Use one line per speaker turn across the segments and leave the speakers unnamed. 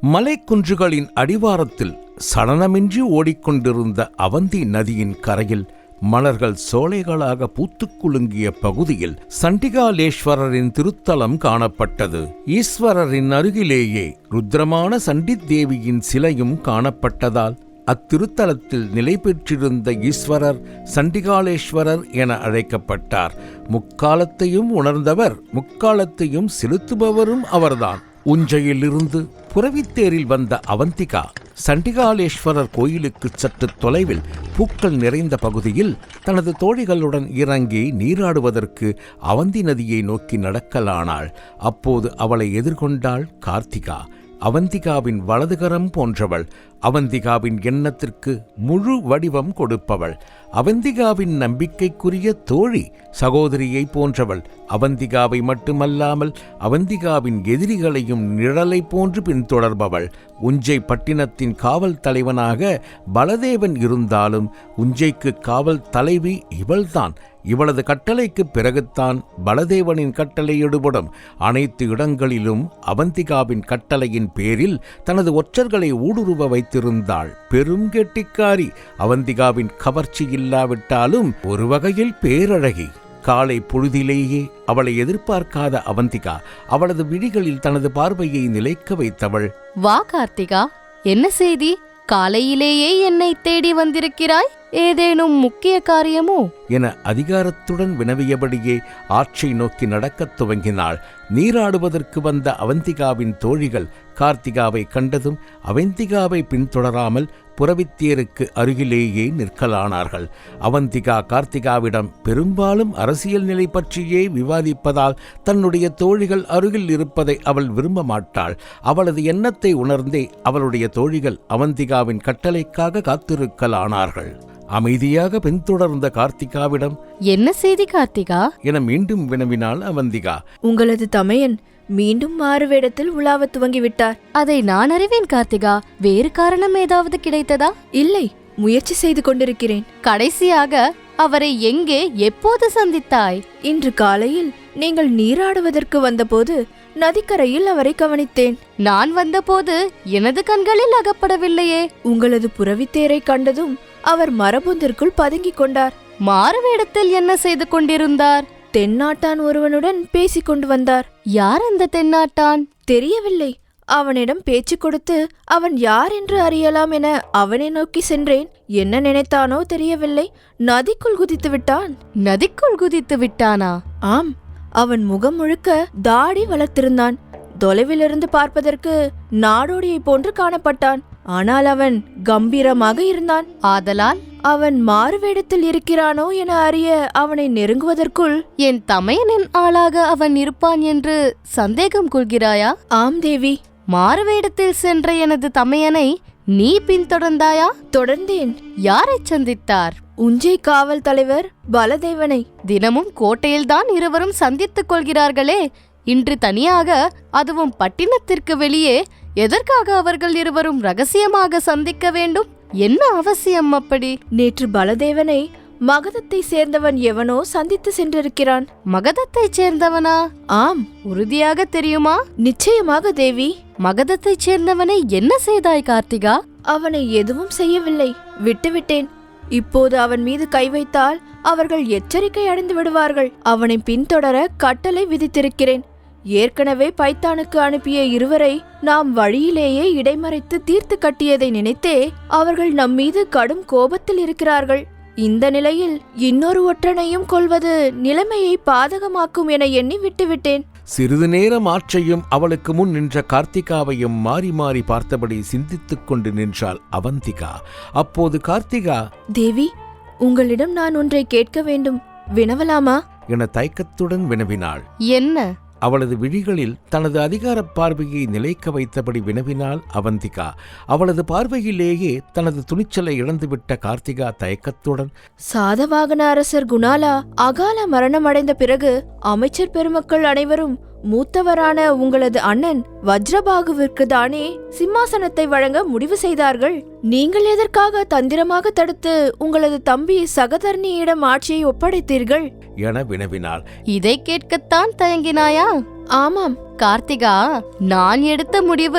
மலைக்குன்றுகளின் அடிவாரத்தில் சலனமின்றி ஓடிக்கொண்டிருந்த அவந்தி நதியின் கரையில் மலர்கள் சோலைகளாக பூத்துக் குலுங்கிய பகுதியில் சண்டிகாலேஸ்வரரின் திருத்தலம் காணப்பட்டது. ஈஸ்வரரின் அருகிலேயே ருத்ரமான சண்டித் தேவியின் சிலையும் காணப்பட்டதால் அத்திருத்தலத்தில் நிலை பெற்றிருந்த ஈஸ்வரர் சண்டிகாலேஸ்வரர் என அழைக்கப்பட்டார். முக்காலத்தையும் உணர்ந்தவர், முக்காலத்தையும் செலுத்துபவரும் அவர்தான். உஞ்சையிலிருந்து புரவித்தேரில் வந்த அவந்திகா சண்டிகாலேஸ்வரர் கோயிலுக்கு சற்று தொலைவில் பூக்கள் நிறைந்த பகுதியில் தனது தோழிகளுடன் இறங்கி நீராடுவதற்கு அவந்தி நதியை நோக்கி நடக்கலானாள். அப்போது அவளை எதிர்கொண்டாள் கார்த்திகா. அவந்திகாவின் வலதுகரம் போன்றவள், அவந்திகாவின் எண்ணத்திற்கு முழு வடிவம் கொடுப்பவள், அவந்திகாவின் நம்பிக்கைக்குரிய தோழி, சகோதரியை போன்றவள். அவந்திகாவை மட்டுமல்லாமல் அவந்திகாவின் எதிரிகளையும் நிழலை போன்று பின்தொடர்பவள். உஞ்சை பட்டினத்தின் காவல் தலைவனாக பலதேவன் இருந்தாலும் உஞ்சைக்கு காவல் தலைவி இவள்தான். இவளது கட்டளைக்கு பிறகுத்தான் பலதேவனின் கட்டளை எடுபடும். அனைத்து இடங்களிலும் அவந்திகாவின் கட்டளையின் பேரில் தனது ஒற்றர்களை ஊடுருவ வைத்திருந்தாள். பெரும் கெட்டிக்காரி. அவந்திகாவின் கவர்ச்சி இல்லாவிட்டாலும் ஒரு வகையில் பேரழகி. காலை பொழுதிலேயே அவளை எதிர்பார்க்காத அவந்திகா அவளது விழிகளில் தனது பார்வையை நிலைக்க வைத்தவள்.
வா கார்த்திகா, என்ன செய்தி? காலையிலேயே என்னை தேடி வந்திருக்கிறாய். ஏதேனும் முக்கிய காரியமோ
என அதிகாரத்துடன் வினவியபடியே ஆற்றை நோக்கி நடக்கத் துவங்கினாள். நீராடுவதற்கு வந்த அவந்திகாவின் தோழிகள் கார்த்திகாவை கண்டதும் அவந்திகாவை பின்தொடராமல் புரவித்தேருக்கு அருகிலேயே நிற்கலானார்கள். அவந்திகா கார்த்திகாவிடம் பெரும்பாலும் அரசியல் நிலை பற்றியே விவாதிப்பதால் தன்னுடைய தோழிகள் அருகில் இருப்பதை அவள் விரும்ப மாட்டாள். அவளது எண்ணத்தை உணர்ந்தே அவளுடைய தோழிகள் அவந்திகாவின் கட்டளைக்காக காத்திருக்கலானார்கள். அமைதியாக பின்தொடர்ந்த கார்த்திகாவிடம்,
என்ன செய்தி கார்த்திகா
என மீண்டும் வினவினாள் அவந்திகா.
உங்களது தமையன் மீண்டும் மாறுவேடத்தில் உலாவ துவங்கிவிட்டார்.
அதை நான் அறிவேன் கார்த்திகா. வேறு காரணம் ஏதாவது கிடைத்ததா?
இல்லை, முயற்சி செய்து கொண்டிருக்கிறேன்.
கடைசியாக அவரை எங்கே, எப்போது சந்தித்தாய்?
இன்று காலையில் நீங்கள் நீராடுவதற்கு வந்தபோது நதிக்கரையில் அவரை கவனித்தேன்.
நான் வந்தபோது எனது கண்களில் அகப்படவில்லையே.
உங்களது புரவித்தேரை கண்டதும் அவர் மரபொந்திற்குள் பதுங்கிக் கொண்டார்.
மாறுவேடத்தில் என்ன செய்து கொண்டிருந்தார்?
தென்னாட்டான் ஒருவனுடன் பேசிக் கொண்டு வந்தார்.
யார் அந்த தென்னாட்டான்?
தெரியவில்லை. அவனிடம் பேச்சு கொடுத்து அவன் யார் என்று அறியலாம் என அவனை நோக்கி சென்றேன். என்ன நினைத்தானோ தெரியவில்லை, நதிக்குள் குதித்து விட்டான்.
நதிக்குள் குதித்து விட்டானா?
ஆம், அவன் முகம் முழுக்க தாடி வளர்த்திருந்தான். தொலைவிலிருந்து பார்ப்பதற்கு நாடோடியை போன்று காணப்பட்டான். ஆனால் அவன் கம்பீரமாக இருந்தான்.
ஆதலால்
அவன் மாறுவேடத்தில் இருக்கிறானோ என அறிய அவனை நெருங்குவதற்குள்
என் தமையனின் ஆளாக அவன் இருப்பான் என்று சந்தேகம் கொள்கிறாயா?
ஆம் தேவி.
மாறுவேடத்தில் சென்ற எனது தமையனை நீ பின்தொடர்ந்தாயா?
தொடர்ந்தேன்.
யாரை சந்தித்தார்?
உஞ்சை காவல் தலைவர் பலதேவனை.
தினமும் கோட்டையில்தான் இருவரும் சந்தித்துக் கொள்கிறார்களே, இன்று தனியாக, அதுவும் பட்டினத்திற்கு வெளியே, எதற்காக அவர்கள் இருவரும் ரகசியமாக சந்திக்க வேண்டும்? என்ன அவசியம் அப்படி?
நேற்று பலதேவனை மகதத்தை சேர்ந்தவன் எவனோ சந்தித்து சென்றிருக்கிறான்.
மகதத்தைச் சேர்ந்தவனா?
ஆம்.
உறுதியாக தெரியுமா?
நிச்சயமாக தேவி.
மகதத்தைச் சேர்ந்தவனை என்ன செய்தாய் கார்த்திகா?
அவனை எதுவும் செய்யவில்லை, விட்டுவிட்டேன். இப்போது அவன் மீது கை வைத்தால் அவர்கள் எச்சரிக்கை அடைந்து விடுவார்கள். அவனை பின்தொடர கட்டளை விதித்திருக்கிறேன். ஏற்கனவே பைத்தானுக்கு அனுப்பிய இருவரை நாம் வழியிலேயே இடைமறைத்து தீர்த்து கட்டியதை நினைத்தே அவர்கள் நம்மீது கடும் கோபத்தில் இருக்கிறார்கள். இந்த நிலையில் இன்னொரு ஒற்றனையும் கொல்வது நிலைமையை பாதகமாக்கும் என எண்ணி விட்டுவிட்டேன்.
சிறிது நேரம் ஆற்றையும் அவளுக்கு முன் நின்ற கார்த்திகாவையும் மாறி மாறி பார்த்தபடி சிந்தித்துக் கொண்டு நின்றாள் அவந்திகா. அப்போது கார்த்திகா,
தேவி, உங்களிடம் நான் ஒன்றை கேட்க வேண்டும், வினவலாமா
என தயக்கத்துடன் வினவினாள்.
என்ன?
அவளது விழிகளில் தனது அதிகார பார்வையை நிலைக்க வைத்தபடி வினவினாள் அவந்திகா. அவளது பார்வையிலேயே தனது துணிச்சலை இழந்துவிட்ட கார்த்திகா தயக்கத்துடன்,
சாதவாகன அரசர் குணாலா அகால மரணம் அடைந்த பிறகு அமைச்சர் பெருமக்கள் அனைவரும் மூத்தவரான உங்களது அண்ணன் வஜ்ரபாகுவிற்கு தானே சிம்மாசனத்தை வழங்க முடிவு செய்தார்கள். நீங்கள் எதற்காக தந்திரமாக தடுத்து உங்களது தம்பி சகதர்ணியிடம் ஆட்சியை ஒப்படைத்தீர்கள்
என வினவினாள்.
இதை கேட்கத்தான் தயங்கினாயா?
ஆமாம்
கார்த்திகா, நான் எடுத்த முடிவு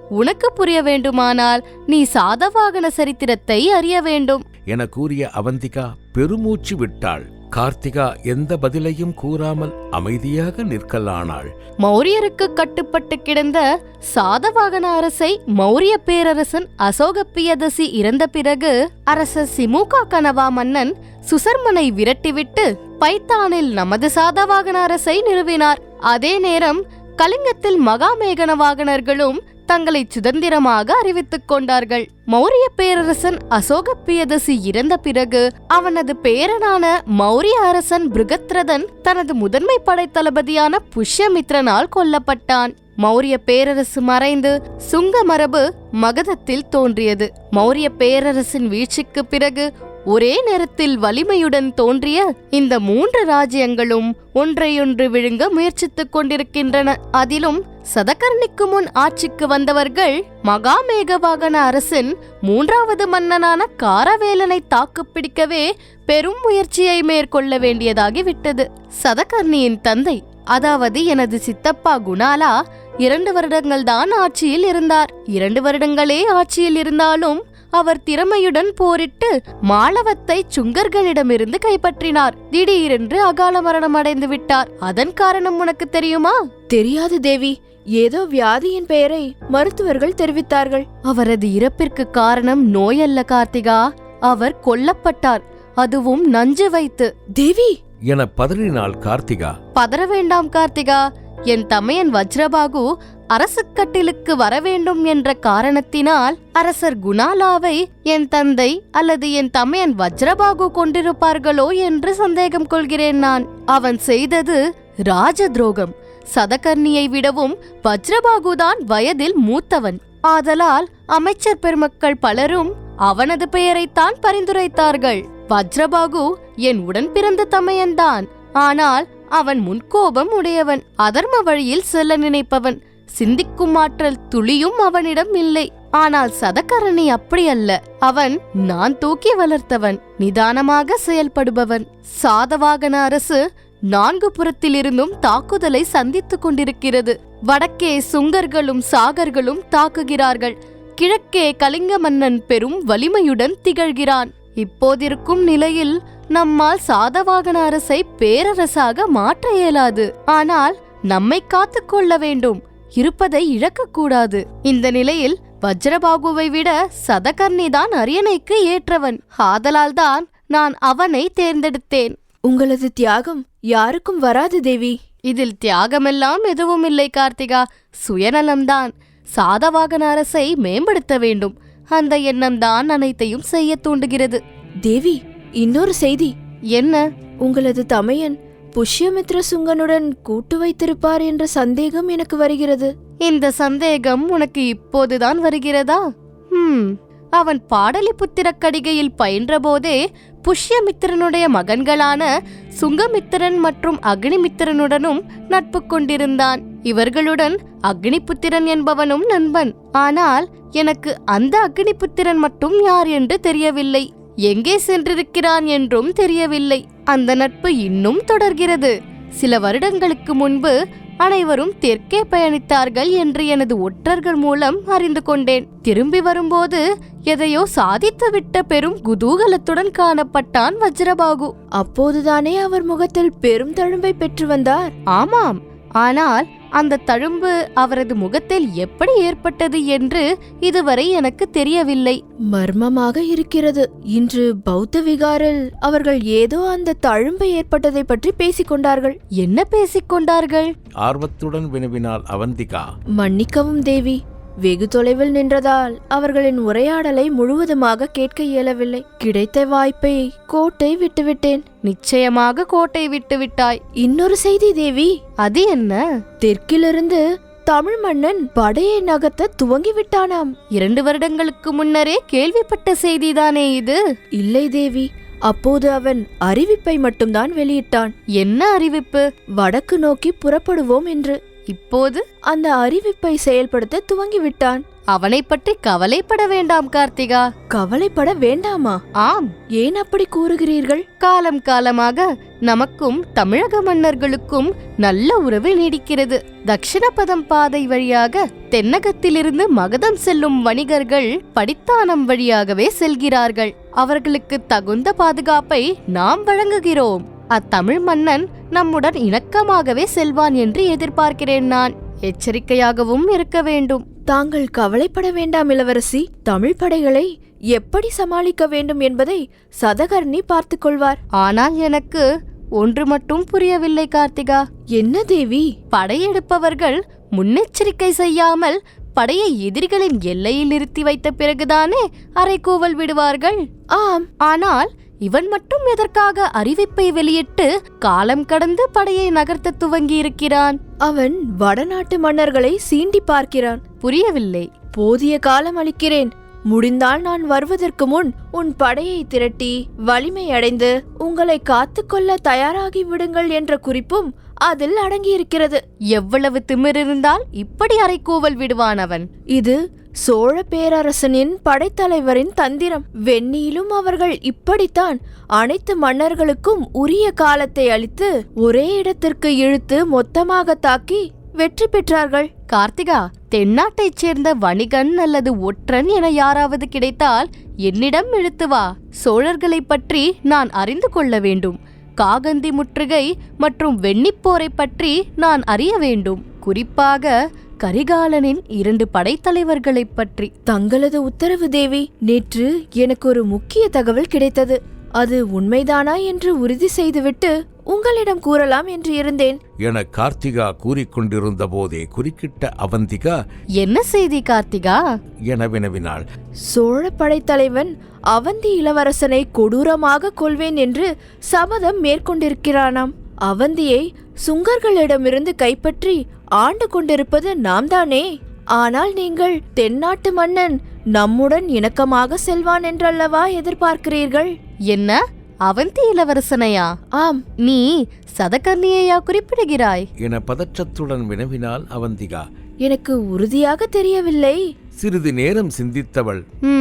உனக்கு புரிய வேண்டுமானால் நீ சாதவாகன சரித்திரத்தை அறிய வேண்டும்
என கூறிய அவந்திகா பெருமூச்சு விட்டாள். கார்த்திகா எந்த பதிலையும் கூறாமல் அமைதியாக நிற்கலானாள்.
மௌரியருக்கு கட்டுப்பட்டு கிடந்த சாதவாகன அரசை மௌரிய பேரரசன் அசோகப்பியதசி இறந்த பிறகு அரசர் சிமுகா கனவா மன்னன் சுசர்மனை விரட்டிவிட்டு பைத்தானில் நமது சாதவாகன அரசை நிறுவினார். அதே நேரம் கலிங்கத்தில் மகாமேகனவாகனர்களும் தங்களை சுதந்திரமாக அறிவித்துக் கொண்டார்கள். மௌரிய பேரரசன் அசோகப்பியதசி இறந்த பிறகு அவனது பேரனான மௌரிய அரசன் பிருகத்ரதன் தனது முதன்மை படைத்தளபதியான புஷ்யமித்ரனால் கொல்லப்பட்டான். மௌரிய பேரரசு மறைந்து சுங்க மரபு மகதத்தில் தோன்றியது. மௌரிய பேரரசின் வீழ்ச்சிக்கு பிறகு ஒரே நேரத்தில் வலிமையுடன் தோன்றிய இந்த 3 ராஜ்யங்களும் ஒன்றையொன்று விழுங்க முயற்சித்துக் கொண்டிருக்கின்றன. அதிலும் சதகர்ணிக்கு முன் ஆட்சிக்கு வந்தவர்கள் மகாமேகவாகன அரசின் 3வது மன்னனான காரவேலனை தாக்குப்பிடிக்கவே பெரும் முயற்சியை மேற்கொள்ள வேண்டியதாகிவிட்டது. சதகர்ணியின் தந்தை, அதாவது எனது சித்தப்பா குணாலா 2 வருடங்கள்தான் ஆட்சியில் இருந்தார். 2 வருடங்களே ஆட்சியில் இருந்தாலும் அவர் திறமையுடன் போரிட்டு மாளவத்தை சுங்கர்களிடமிருந்து கைப்பற்றினார். திடீரென்று அகால மரணம் அடைந்து விட்டார். அதன் காரணம் உனக்கு தெரியுமா?
தெரியாது தேவி. ஏதோ வியாதியின் பெயரை மருத்துவர்கள் தெரிவித்தார்கள்.
அவரது இறப்பிற்கு காரணம் நோயல்ல கார்த்திகா, அவர் கொல்லப்பட்டார், அதுவும் நஞ்சு வைத்து.
தேவி
என பதறினாள் கார்த்திகா.
பதற வேண்டாம் கார்த்திகா, என் தமையன் வஜ்ரபாகு அரசுக்கட்டிலுக்கு வரவேண்டும் என்ற காரணத்தினால் அரசர் குணாலாவை என் தந்தை அல்லது என் தமையன் வஜ்ரபாகு கொண்டிருப்பார்களோ என்று சந்தேகம் கொள்கிறேன் நான். அவன் செய்தது ராஜ துரோகம். சதகர்ணியை விடவும் வஜ்ரபாகுதான் வயதில் மூத்தவன். ஆதலால் அமைச்சர் பெருமக்கள் பலரும் அவனது பெயரைத்தான் பரிந்துரைத்தார்கள். வஜ்ரபாகு என் உடன் பிறந்த தமையன்தான், ஆனால் அவன் முன்கோபம் உடையவன், அதர்ம வழியில் செல்ல நினைப்பவன். சிந்திக்கும் ஆற்றல் துளியும் அவனிடம் இல்லை. ஆனால் சதகர்ணி அப்படியல்ல. அவன் நான் தூக்கி வளர்த்தவன், நிதானமாக செயல்படுபவன். சாதவாகன அரசு 4 புறத்திலிருந்தும் தாக்குதலை சந்தித்துக் கொண்டிருக்கிறது. வடக்கே சுங்கர்களும் சாகர்களும் தாக்குகிறார்கள். கிழக்கே கலிங்க மன்னன் பெரும் வலிமையுடன் திகழ்கிறான். இப்போதிருக்கும் நிலையில் நம்மால் சாதவாகன அரசை பேரரசாக மாற்ற இயலாது. ஆனால் நம்மை காத்துக்கொள்ள வேண்டும், இருப்பதை இழக்கக்கூடாது. இந்த நிலையில் வஜ்ரபாகுவை விட சதகர்ணிதான் அரியணைக்கு ஏற்றவன். ஆதலால்தான் நான் அவனை தேர்ந்தெடுத்தேன்.
உங்களது தியாகம் யாருக்கும் வராது தேவி.
இதில் தியாகமெல்லாம் எதுவும் இல்லை கார்த்திகா, சுயநலம்தான். சாதவாகன அரசை மேம்படுத்த வேண்டும், அந்த எண்ணம்தான் அனைத்தையும் செய்ய தூண்டுகிறது.
தேவி, இன்னொரு செய்தி.
என்ன?
உங்களது தமையன் புஷ்யமித்ர சுங்கனுடன் கூட்டு வைத்திருப்பார் என்ற சந்தேகம் எனக்கு வருகிறது.
இந்த சந்தேகம் உனக்கு இப்போதுதான் வருகிறதா? அவன் பாடலிபுத்திர கடிகையில் பயின்றபோதே புஷ்யமித்திரனுடைய மகன்களான சுங்கமித்திரன் மற்றும் அக்னிமித்திரனுடனும் நட்பு கொண்டிருந்தான். இவர்களுடன் அக்னிபுத்திரன் என்பவனும் நண்பன். ஆனால் எனக்கு அந்த அக்னிபுத்திரன் மட்டும் யார் என்று தெரியவில்லை. எங்கே சென்றிருக்கிறான் என்றும் தெரியவில்லை. அந்த நட்பு இன்னும் தொடர்கிறது. சில வருடங்களுக்கு முன்பு அனைவரும் தெற்கே பயணித்தார்கள் என்று எனது ஒற்றர்கள் மூலம் அறிந்து கொண்டேன். திரும்பி வரும்போது எதையோ சாதித்துவிட்ட பெரும் குதூகலத்துடன் காணப்பட்டான் வஜ்ரபாகு.
அப்போதுதானே அவர் முகத்தில் பெரும் தழும்பை பெற்று வந்தார்?
ஆமாம், ஆனால் அந்த தழும்பு அவரது முகத்தில் எப்படி ஏற்பட்டது என்று இதுவரை எனக்கு தெரியவில்லை.
மர்மமாக இருக்கிறது. இன்று பௌத்த விகாரில் அவர்கள் ஏதோ அந்த தழும்பு ஏற்பட்டதை பற்றி பேசிக்கொண்டார்கள்.
என்ன பேசிக்கொண்டார்கள்?
ஆர்வத்துடன் வினவினாள் அவந்திகா.
மன்னிக்கவும் தேவி, வெகு தொலைவில் நின்றதால் அவர்களின் உரையாடலை முழுவதுமாக கேட்க இயலவில்லை. கிடைத்த வாய்ப்பை கோட்டை விட்டுவிட்டேன்.
நிச்சயமாக கோட்டை விட்டுவிட்டாய்.
இன்னொரு செய்தி தேவி.
அது என்ன?
தெற்கிலிருந்து தமிழ் மன்னன் படையை நகர்த்த துவங்கிவிட்டானாம்.
2 வருடங்களுக்கு முன்னரே கேள்விப்பட்ட செய்திதானே இது?
இல்லை தேவி, அப்போது அவன் அறிவிப்பை மட்டும்தான் வெளியிட்டான்.
என்ன அறிவிப்பு?
வடக்கு நோக்கி புறப்படுவோம் என்று.
இப்போது
அந்த அறிவிப்பை செயல்படுத்த துவங்கிவிட்டான்.
அவனை பற்றி கவலைப்பட வேண்டாம் கார்த்திகா.
கவலைப்பட வேண்டாமா?
ஆம்.
ஏன் அப்படி கூறுகிறீர்கள்?
காலம் காலமாக நமக்கும் தமிழக மன்னர்களுக்கும் நல்ல உறவு நீடிக்கிறது. தக்ஷணபதம் பாதை வழியாக தென்னகத்திலிருந்து மகதம் செல்லும் வணிகர்கள் படித்தானம் வழியாகவே செல்கிறார்கள். அவர்களுக்கு தகுந்த பாதுகாப்பை நாம் வழங்குகிறோம். அத்தமிழ் மன்னன் நம்முடன் இணக்கமாகவே செல்வான் என்று எதிர்பார்க்கிறேன். நான் எச்சரிக்கையாகவும் இருக்க வேண்டும்.
தாங்கள் கவலைப்பட வேண்டாம் இளவரசி. தமிழ் படைகளை எப்படி சமாளிக்க வேண்டும் என்பதை சதகர்ணி பார்த்துக் கொள்வார்.
ஆனால் எனக்கு ஒன்று மட்டும் புரியவில்லை கார்த்திகா.
என்ன தேவி?
படையெடுப்பவர்கள் முன்னெச்சரிக்கை செய்யாமல் படையை எதிரிகளின் எல்லையில் நிறுத்தி வைத்த பிறகுதானே அரைக்கூவல் விடுவார்கள்.
ஆம்.
ஆனால் இவன் மட்டும் எதற்காக அறிவிப்பை வெளியிட்டு காலம் கடந்து படையை நகர்த்த துவங்கி இருக்கிறான்?
அவன் வடநாட்டு மன்னர்களை சீண்டி பார்க்கிறான்.
புரியவில்லை.
போதிய காலம் அளிக்கிறேன். முடிந்தால் நான் வருவதற்கு முன் உன் படையை திரட்டி வலிமை அடைந்து உங்களை காத்துக்கொள்ள தயாராகி விடுங்கள் என்ற குறிப்பும் அதில் அடங்கியிருக்கிறது.
எவ்வளவு திமிரிருந்தால் இப்படி அரைக்கூவல் விடுவான் அவன்?
இது சோழ பேரரசனின் படைத்தலைவரின் தந்திரம். வெண்ணியிலும் அவர்கள் இப்படித்தான் அனைத்து மன்னர்களுக்கும் உரிய காலத்தை அளித்து ஒரே இடத்திற்கு இழுத்து மொத்தமாக தாக்கி வெற்றி பெற்றார்கள்.
கார்த்திகா, தென்னாட்டைச் சேர்ந்த வணிகன் அல்லது ஒற்றன் என யாராவது கிடைத்தால் என்னிடம் இழுத்து வா. சோழர்களை பற்றி நான் அறிந்து கொள்ள வேண்டும். காகந்தி முற்றுகை மற்றும் வெண்ணிப்போரை பற்றி நான் அறிய வேண்டும். குறிப்பாக கரிகாலனின் 2 படைத்தலைவர்களைப் பற்றி.
தங்களது உத்தரவு தேவி. நேற்று எனக்கு ஒரு முக்கிய தகவல் கிடைத்தது. அது உண்மைதானா என்று உறுதி செய்துவிட்டு உங்களிடம் கூறலாம் என்று இருந்தேன்
என கார்த்திகா கூறிக்கொண்டிருந்த போதே குறுக்கிட்ட அவந்திகா,
என்ன செய்தி கார்த்திகா
என வினவினாள்.
சோழ படைத்தலைவன் அவந்தி இளவரசனை கொடூரமாக கொல்வேன் என்று சபதம் மேற்கொண்டிருக்கிறானாம். அவந்தியை சுங்கர்களிடமிருந்து கைப்பற்றி ஆண்டு கொண்டிருப்பது நாம் தானே. ஆனால் நீங்கள் தென்னாட்டு மன்னன் நம்முடன் இணக்கமாக செல்வான் என்றல்லவா எதிர்பார்க்கிறீர்கள்?
என்ன, அவந்தி இளவரசனையா?
ஆம்.
நீ சதகர்ணியையா குறிப்பிடுகிறாய்
என பதற்றத்துடன் வினவினாள் அவந்திகா.
எனக்கு உறுதியாக தெரியவில்லை.
சிறிது நேரம் சிந்தித்தவள்,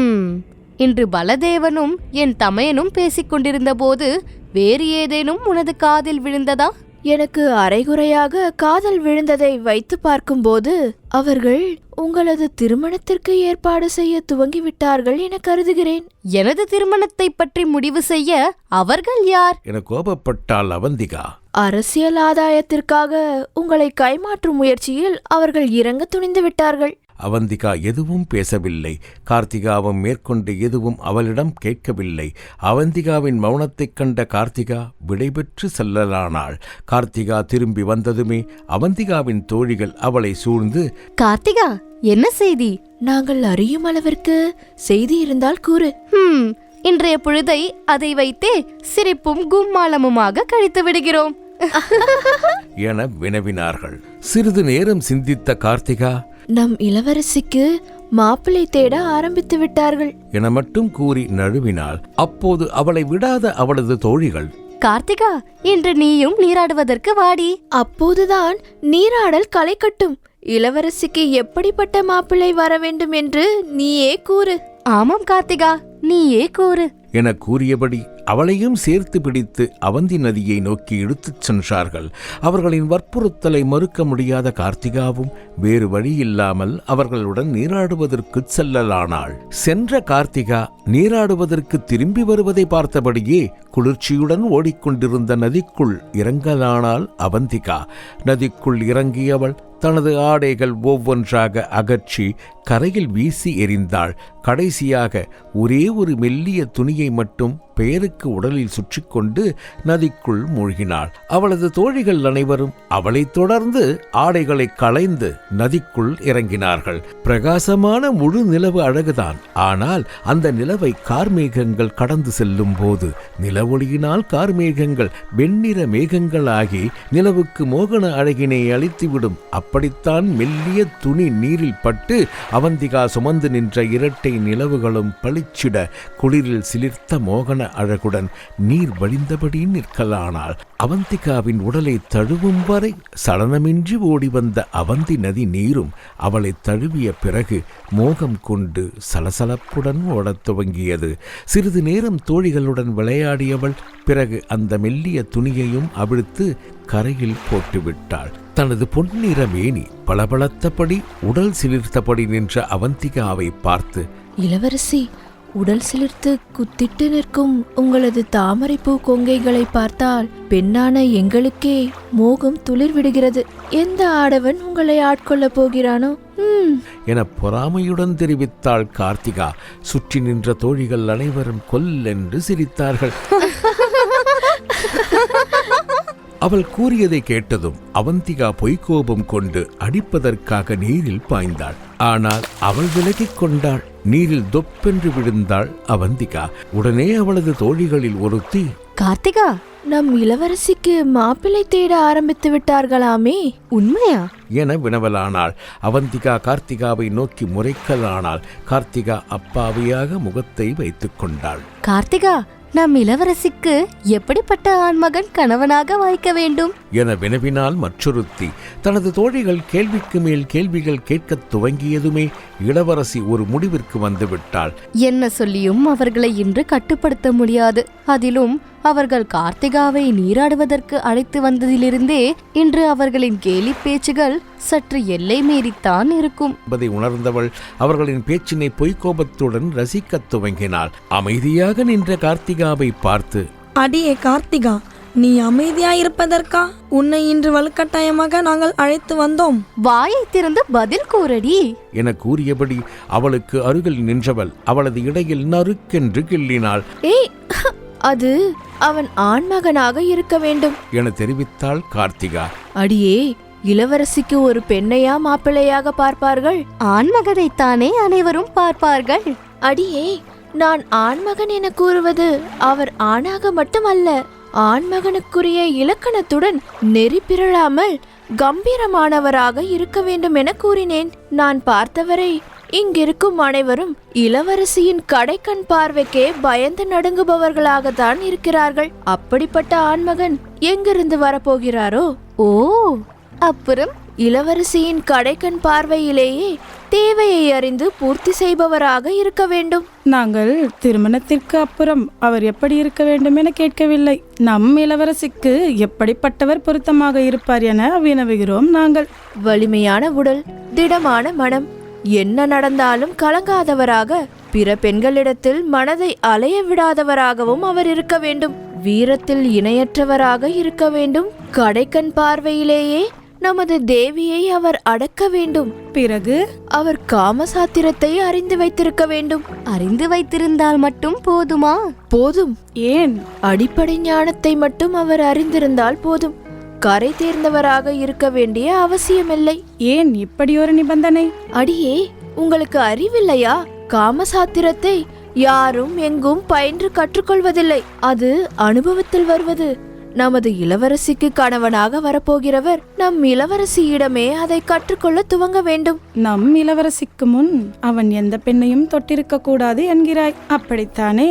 இன்று பலதேவனும் என் தமையனும் பேசிக் கொண்டிருந்த போது வேறு ஏதேனும் உனது காதில் விழுந்ததா?
எனக்கு அரைகுறையாக காதல் விழுந்ததை வைத்து பார்க்கும்போது அவர்கள் உங்களது திருமணத்திற்கு ஏற்பாடு செய்ய துவங்கிவிட்டார்கள் என கருதுகிறேன்.
எனது திருமணத்தை பற்றி முடிவு செய்ய அவர்கள் யார்
என கோபப்பட்டாள் அவந்திகா.
அரசியல் ஆதாயத்திற்காக உங்களை கைமாற்றும் முயற்சியில் அவர்கள் இறங்க துணிந்து விட்டார்கள்.
அவந்திகா எதுவும் பேசவில்லை. கார்த்திகாவும் மேற்கொண்டு எதுவும் அவளிடம் கேட்கவில்லை. அவந்திகாவின் மௌனத்தைக் கண்ட கார்த்திகா விடைபெற்று செல்லலானாள். கார்த்திகா திரும்பி வந்ததுமே அவந்திகாவின் தோழிகள் அவளை சூழ்ந்து,
கார்த்திகா, என்ன செய்தி?
நாங்கள் அறியும் அளவிற்கு செய்தி இருந்தால் கூறு.
இன்றைய பொழுதை அதை வைத்தே சிரிப்பும் கும்மாளமுமாக கழித்து விடுகிறோம்
என வினவினார்கள். சிறிது நேரம் சிந்தித்த கார்த்திகா,
நம் இளவரசிக்கு மாப்பிள்ளை தேட ஆரம்பித்து விட்டார்கள்
என மட்டும் கூறி நழுவினாள். அப்போது அவளை விடாத அவளது தோழிகள்,
கார்த்திகா, இன்று நீயும் நீராடுவதற்கு வாடி.
அப்போதுதான் நீராடல் களை கட்டும். இளவரசிக்கு எப்படிப்பட்ட மாப்பிள்ளை வர வேண்டும் என்று நீயே கூறு.
ஆமாம் கார்த்திகா, நீயே கூறு
என கூறியபடி அவளையும் சேர்த்து பிடித்து அவந்தி நதியை நோக்கி இழுத்துச் சென்றார்கள். அவர்களின் வற்புறுத்தலை மறுக்க முடியாத கார்த்திகாவும் வேறு வழியில்லாமல் அவர்களுடன் நீராடுவதற்கு செல்லலானாள். சென்ற கார்த்திகா நீராடுவதற்கு திரும்பி வருவதை பார்த்தபடியே குளிர்ச்சியுடன் ஓடிக்கொண்டிருந்த நதிக்குள் இறங்கலானாள் அவந்திகா. நதிக்குள் இறங்கியவள் தனது ஆடைகள் ஒவ்வொன்றாக அகற்றி கரையில் வீசி எறிந்தாள். கடைசியாக ஒரே ஒரு மெல்லிய துணியை மட்டும் பெயருக்கு உடலில் சுற்றிக்கொண்டு நதிக்குள் மூழ்கினாள். அவளது தோழிகள் அனைவரும் அவளைத் தொடர்ந்து ஆடைகளை களைந்து நதிக்குள் இறங்கினார்கள். பிரகாசமான முழு நிலவு அழகுதான். ஆனால் அந்த நிலவை கார்மேகங்கள் கடந்து செல்லும் போது நிலவொளியினால் கார்மேகங்கள் வெண்ணிற மேகங்களாகி நிலவுக்கு மோகன அழகினை அளித்துவிடும். அப்படித்தான் மெல்லிய துணி நீரில் பட்டு அவந்திகா சுமந்து நின்ற இரட்டை நிலவுகளும் பளிச்சிட குளிரில் சிலிர்த்த மோகன அழகுடன் நீர் வழிந்தபடி நிற்கலானாள். அவந்திகாவின் உடலை தழுவும் வரை சலனமின்றி ஓடி வந்த அவந்தி நதி நீரும் அவளை தழுவிய பிறகு மோகம் கொண்டு சலசலப்புடன் ஓடத் துவங்கியது. சிறிது நேரம் தோழிகளுடன் விளையாடியவள் பிறகு அந்த மெல்லிய துணியையும் அவிழ்த்து கரையில் போட்டுவிட்டாள். தனது பொன்னிற மேனி பளபளத்தபடி உடல் சிலிர்த்தபடி நின்ற அவந்திகாவை பார்த்து,
இளவரசி, உடல் சிலிர்த்து குத்திட்டு நிற்கும் உங்களது தாமரைப்பூ கொங்கைகளை பார்த்தால் பெண்ணான எங்களுக்கே மோகம் துளிர் விடுகிறது. எந்த ஆடவன் உங்களை ஆட்கொள்ளப் போகிறானோ
என பொறாமையுடன் தெரிவித்தாள் கார்த்திகா. சுற்றி நின்ற தோழிகள் அனைவரும் கொல்லென்று சிரித்தார்கள். அவள் கூறியதை கேட்டதும் அவந்திகா பொய்க்கோபம் கொண்டு அடிப்பதற்காக நீரில் பாய்ந்தாள். ஆனால் அவள் விலகிக் கொண்டாள். நீரில் தொப்பென்று விழுந்தாள் அவந்திகா. உடனே அவளது தோழிகளில் ஒருத்தி,
கார்த்திகா,
நம் இளவரசிக்கு மாப்பிள்ளை தேட ஆரம்பித்து விட்டார்களாமே,
உண்மையா
என வினவலானாள். அவந்திகா கார்த்திகாவை நோக்கி முறைக்கலானாள். கார்த்திகா அப்பாவியாக முகத்தை வைத்துக் கொண்டாள்.
கார்த்திகா, நம் இளவரசிக்கு எப்படிப்பட்ட ஆண்மகன் கணவனாக வாய்க்க வேண்டும்
என வினவினால் மற்றொருத்தி. தனது தோழிகள் கேள்விக்கு மேல் கேள்விகள் கேட்கத் துவங்கியதுமே இளவரசி ஒரு முடிவிற்கு வந்துவிட்டாள்.
என்ன சொல்லியும் அவர்களை இன்று கட்டுப்படுத்த முடியாது. அதிலும் அவர்கள் கார்த்திகாவை நீராடுவதற்கு அழைத்து வந்ததிலிருந்தே இன்று அவர்களின் கேலி பேச்சுகள் சற்று எல்லை மீறித்தான் இருக்கும்
என்பதை உணர்ந்தவள் அவர்களின் பேச்சினை பொய்க்கோபத்துடன் ரசிக்கத் துவங்கினாள். அமைதியாக நின்ற கார்த்திகாவை பார்த்து,
அடியே கார்த்திகா, நீ அமைதியாயிருப்பதற்கா உன்னை இன்று வலுக்கட்டாயமாக நாங்கள் அழைத்து வந்தோம்?
வாயை திறந்து பதில் கூறடி
என கூறியபடி அவளுக்கு அருகில் நின்றவள் அவளது இடையில் நறுக்கென்று கிள்ளினாள்.
ஏய், அது அவன் ஆண்மகனாக இருக்க வேண்டும்
என தெரிவித்தாள் கார்த்திகா.
அடியே, இளவரசிக்கு ஒரு பெண்ணையா மாப்பிள்ளையாக பார்ப்பார்கள்?
ஆண்மகனைத்தானே அனைவரும் பார்ப்பார்கள்.
அடியே, நான் ஆண்மகன் என கூறுவது அவர் ஆணாக மட்டுமல்ல, ஆண்மகனுக்குரிய இலக்கணத்துடன் நெறி பிறழாமல் கம்பீரமானவராக இருக்க வேண்டும் என கூறினேன். நான் பார்த்தவரை இங்கிருக்கும் அனைவரும் இளவரசியின் கடைக்கண் பார்வைக்கே பயந்து நடுங்குபவர்களாகத்தான் இருக்கிறார்கள். அப்படிப்பட்ட ஆண்மகன் எங்கிருந்து வரப்போகிறாரோ?
ஓ, அப்புறம்
இளவரசியின் கடைக்கண் பார்வையிலேயே தேவையை அறிந்து பூர்த்தி செய்பவராக இருக்க வேண்டும்.
நாங்கள் திருமணத்திற்கு அப்புறம் அவர் எப்படி இருக்க வேண்டும் என கேட்கவில்லை. நம் இளவரசிக்கு எப்படிப்பட்டவர் பொருத்தமாக இருப்பார் என வினவுகிறோம் நாங்கள்.
வலிமையான உடல், திடமான மனம், என்ன நடந்தாலும் கலங்காதவராக, பிற பெண்களிடத்தில் மனதை அலைய விடாதவராகவும் அவர் இருக்க வேண்டும். வீரத்தில் இணையற்றவராக இருக்க வேண்டும். கடைக்கண் பார்வையிலேயே நமது தேவியை அவர் அடக்க வேண்டும்.
பிறகு
அவர் காமசாத்திரத்தை அறிந்து வைத்திருக்க வேண்டும்.
அறிந்து வைத்திருந்தால் மட்டும் போதுமா?
போதும்.
ஏன்?
அடிப்படை ஞானத்தை மட்டும் அவர் அறிந்திருந்தால் போதும். கரை தேர்ந்தவராக இருக்க வேண்டிய அவசியமில்லை.
ஏன் இப்படி ஒரு நிபந்தனை?
அடியே, உங்களுக்கு அறிவில்லையா? காமசாத்திரத்தை யாரும் எங்கும் பயின்று கற்றுக்கொள்வதில்லை. அது அனுபவத்தில் வருவது. நமது இளவரசிக்கு கணவனாக வரப்போகிறவர் நம் இளவரசியிடமே அதை கற்றுக்கொள்ள துவங்க வேண்டும்.
நம் இளவரசிக்கு முன் அவன் எந்த பெண்ணையும் தொட்டிருக்க கூடாது என்கிறாய், அப்படித்தானே?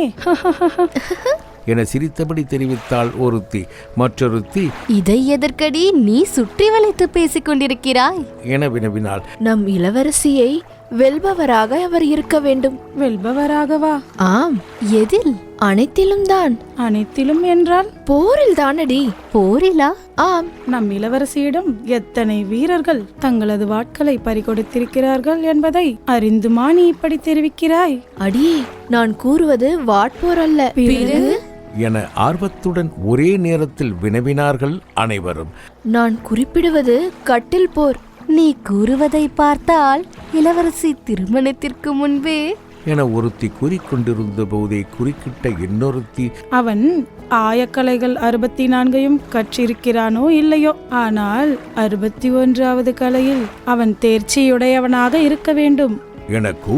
என சிரித்தபடி தெரிவித்தாள் ஒருத்தி. மற்றொருத்தி,
இதை எதற்கடி நீ சுற்றி வளைத்து பேசிக் கொண்டிருக்கிறாய்
என வினவினாள்.
நம் இளவரசியை வெல்பவராக அவர் இருக்க வேண்டும்.
வெல்பவராகவா?
ஆம்.
எதில்?
அனைத்திலும் தான்.
அனைத்திலும் என்றால்?
போரில் தானடி.
போரிலா?
ஆம்.
நம் இளவரசியிடம் எத்தனை வீரர்கள் தங்களது வாட்களை பறிகொடுத்திருக்கிறார்கள் என்பதை அறிந்துமா நீ இப்படி தெரிவிக்கிறாய்?
அடியே, நான் கூறுவது வாட்போர் அல்ல.
பிறகு?
என ஆர்வத்துடன் ஒரே நேரத்தில் வினவினார்கள் அனைவரும்.
நான் குறிப்பிடுவது கட்டில் போர்.
நீ கூறுவதை பார்த்தால் இளவரசி திருமணத்திற்கு முன்பே
என ஒருத்தி கூறிக்கொண்டிருந்த போதே குறுக்கிட்ட இன்னொருத்தி,
அவன் ஆயக்கலைகள் 64 கற்றிருக்கிறானோ இல்லையோ, ஆனால் 61வது கலையில் அவன் தேர்ச்சியுடையவனாக இருக்க வேண்டும்
என கூற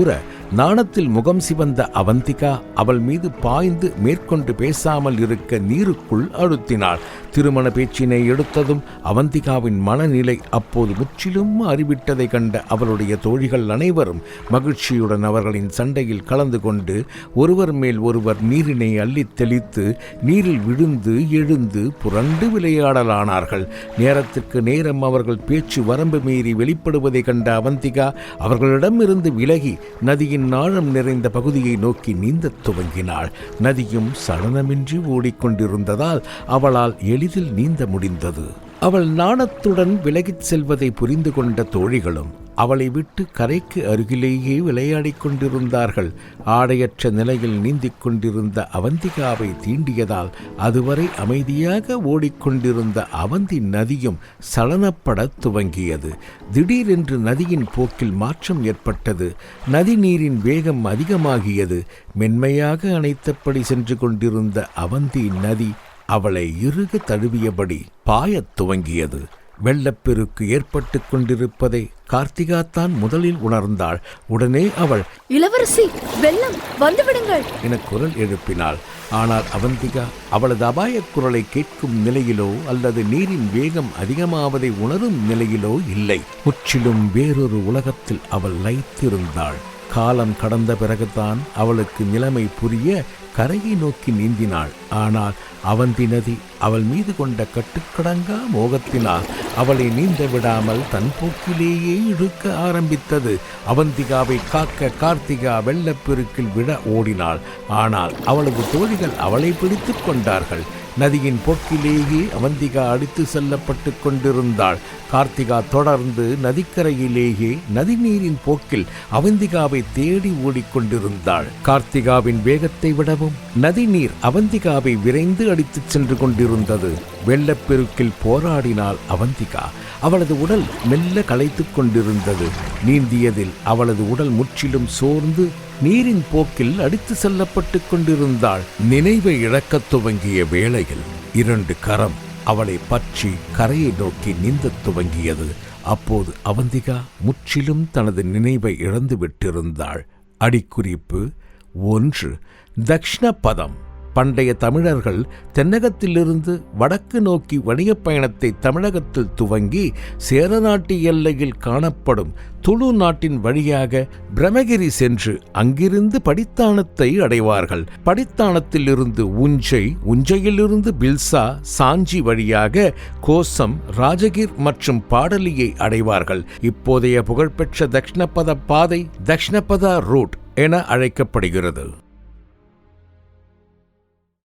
நாணத்தில் முகம் சிவந்த அவந்திகா அவள் மீது பாய்ந்து மேற்கொண்டு பேசாமல் இருக்க நீருக்குள் அழுத்தினாள். திருமண பேச்சினை எடுத்ததும் அவந்திகாவின் மனநிலை அப்போது முற்றிலும் மாறிவிட்டதை கண்ட அவளுடைய தோழிகள் அனைவரும் மகிழ்ச்சியுடன் அவர்களின் சண்டையில் கலந்து கொண்டு ஒருவர் மேல் ஒருவர் நீரினை அள்ளித் தெளித்து நீரில் விழுந்து எழுந்து புரண்டு விளையாடலானார்கள். நேரத்திற்கு நேரம் அவர்கள் பேச்சு வரம்பு மீறி வெளிப்படுவதை கண்ட அவந்திகா அவர்களிடமிருந்து விலகி நதியின் ஆழம் நிறைந்த பகுதியை நோக்கி நீந்தத் துவங்கினாள். நதியும் சலனமின்றி ஓடிக்கொண்டிருந்ததால் அவளால் எளிதில் நீந்த முடிந்தது. அவள் நாணத்துடன் விலகிச் செல்வதை புரிந்து கொண்ட தோழிகளும் அவளை விட்டு கரைக்கு அருகிலேயே விளையாடிக் கொண்டிருந்தார்கள். ஆடையற்ற நிலையில் நீந்திக் கொண்டிருந்த அவந்திகாவை தீண்டியதால் அதுவரை அமைதியாக ஓடிக்கொண்டிருந்த அவந்தி நதியும் சலனப்படத் துவங்கியது. திடீரென்று நதியின் போக்கில் மாற்றம் ஏற்பட்டது. நதி நீரின் வேகம் அதிகமாகியது. மென்மையாக அணைத்தபடி சென்று கொண்டிருந்த அவந்தி நதி அவளை இறுக தழுவியபடி பாயத் துவங்கியது. வெள்ளப்பெருக்கு ஏற்பட்டு கொண்டிருப்பதை கார்த்திகா தான் முதலில் உணர்ந்தாள். உடனே அவள்,
இளவரசி, வெள்ளம் வந்துவிடுங்கள்
என குரல் எழுப்பினாள். ஆனால் அவந்திகா அவளது அபாயக் குரலை கேட்கும் நிலையிலோ அல்லது நீரின் வேகம் அதிகமாவதை உணரும் நிலையிலோ இல்லை. முற்றிலும் வேறொரு உலகத்தில் அவள் லயித்திருந்தாள். காலம் கடந்த பிறகுதான் அவளுக்கு நிலைமை புரிய கரையை நோக்கி நீந்தினாள். ஆனால் அவந்தி நதி அவள் மீது கொண்ட கட்டுக்கடங்கா மோகத்தினால் அவளை நீந்த விடாமல் தன் போக்கிலேயே இழுக்க ஆரம்பித்தது. அவந்திகாவை காக்க கார்த்திகா வெள்ளப்பெருக்கில் விட ஓடினாள். ஆனால் அவளது தோழிகள் அவளை பிடித்து கொண்டார்கள். நதியின் போக்கிலேயே அவந்திகா அடித்து செல்லப்பட்டு கொண்டிருந்தாள். கார்த்திகா தொடர்ந்து நதிக்கரையிலேயே நதிநீரின் போக்கில் அவந்திகாவை தேடி ஓடிக்கொண்டிருந்தாள். கார்த்திகாவின் வேகத்தை விடவும் நதிநீர் அவந்திகாவை விரைந்து அடித்துச் சென்று கொண்டிருந்தது. வெள்ளப்பெருக்கில் போராடினாள் அவந்திகா. அவளது உடல் மெல்ல களைத்துக் கொண்டிருந்தது. நீந்தியதில் அவளது உடல் முற்றிலும் சோர்ந்து நீரின் போக்கில் அடித்து செல்லப்பட்டு கொண்டிருந்தாள். நினைவை இழக்கத் துவங்கிய வேளையில் 2 கரம் அவளை பற்றி கரையை நோக்கி நீந்தத் துவங்கியது. அப்போது அவந்திகா முற்றிலும் தனது நினைவை இழந்து விட்டிருந்தாள். அடிக்குறிப்பு 1. தக்ஷணபதம். பண்டைய தமிழர்கள் தென்னகத்திலிருந்து வடக்கு நோக்கி வணிகப் பயணத்தை தமிழகத்தில் துவங்கி சேர நாட்டு எல்லையில் காணப்படும் துளு நாட்டின் வழியாக பிரம்மகிரி சென்று அங்கிருந்து படித்தானத்தை அடைவார்கள். படித்தானத்தில் இருந்து உஞ்சை, உஞ்சையிலிருந்து பில்சா, சாஞ்சி வழியாக கோசம், ராஜகிர் மற்றும் பாடலியை அடைவார்கள். இப்போதைய புகழ்பெற்ற தக்ஷணபத பாதை தக்ஷணபத ரூட் என அழைக்கப்படுகிறது.